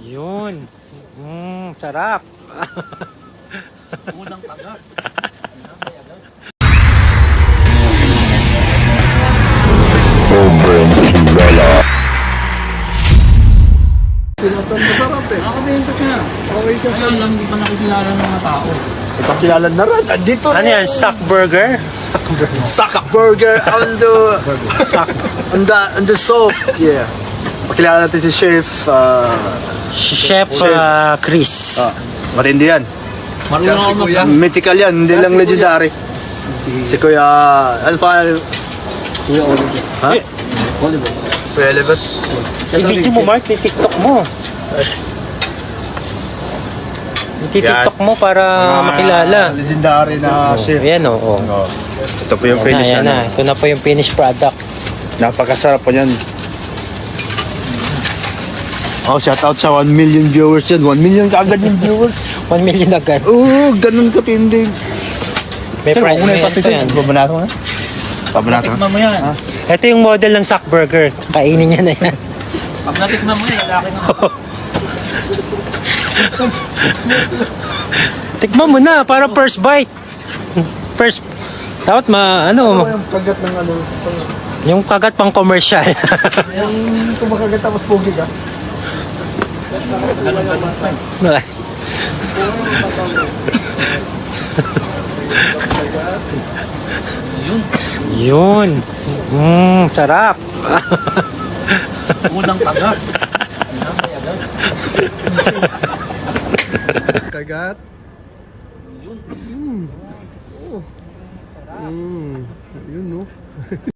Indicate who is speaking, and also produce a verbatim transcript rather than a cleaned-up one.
Speaker 1: Yun. Mmm, sarap.
Speaker 2: Unang agad.
Speaker 3: Masarap eh.
Speaker 2: Nakabentot na.
Speaker 3: Okay siya.
Speaker 2: Ngayon lang, hindi pa nakikilala ng mga tao.
Speaker 3: Ipakilala na rin. Andito
Speaker 1: Ano yan? Sack burger?
Speaker 3: Sack burger on the
Speaker 1: Sack.
Speaker 3: on the on the soap. Yeah. Pakilala natin si Chef uh,
Speaker 1: Chef
Speaker 3: Chef.
Speaker 1: uh, Chris.
Speaker 3: ah, matindi yan.
Speaker 2: Marunong ako mag...
Speaker 3: Mythical yan, hindi lang legendary. Si Kuya, ano pa? Kuya Oliver. Ha?
Speaker 1: Eh.
Speaker 3: Oliver. Kuya Oliver.
Speaker 1: I-video mo, Mark. I-tiktok mo. I-tiktok mo para makilala.
Speaker 3: Legendary na chef.
Speaker 1: Ayan o. Oh, oh.
Speaker 3: Oh. Ito po yung
Speaker 1: Ayan na,
Speaker 3: finish
Speaker 1: ayan
Speaker 3: ano.
Speaker 1: na. Ito na po yung finished product.
Speaker 3: Napakasarap po yan. Oh, shout out sa one million viewers yan. one million kaagad yung viewers.
Speaker 1: one million agad.
Speaker 3: Oo, ganun katindi.
Speaker 1: May price. May ito yan.
Speaker 3: Babanato na? Babanato na?
Speaker 2: Tikman mo yan.
Speaker 1: Ito yung model ng Sack Burger. Kainin niya na yan.
Speaker 2: Pag natikman mo yan, lalaki na.
Speaker 1: Tikman mo na para first bite. First. Dapat ma, ano,
Speaker 3: Yung kagat ng ano.
Speaker 1: yung kagat pang commercial.
Speaker 3: Yung kumakagat tapos pogi ka.
Speaker 2: Yun.
Speaker 1: Yun. Mmm, sarap.
Speaker 2: Unang agad.
Speaker 3: Kagat.
Speaker 2: Yun.
Speaker 3: Mm. Oh. Mm. Yun no.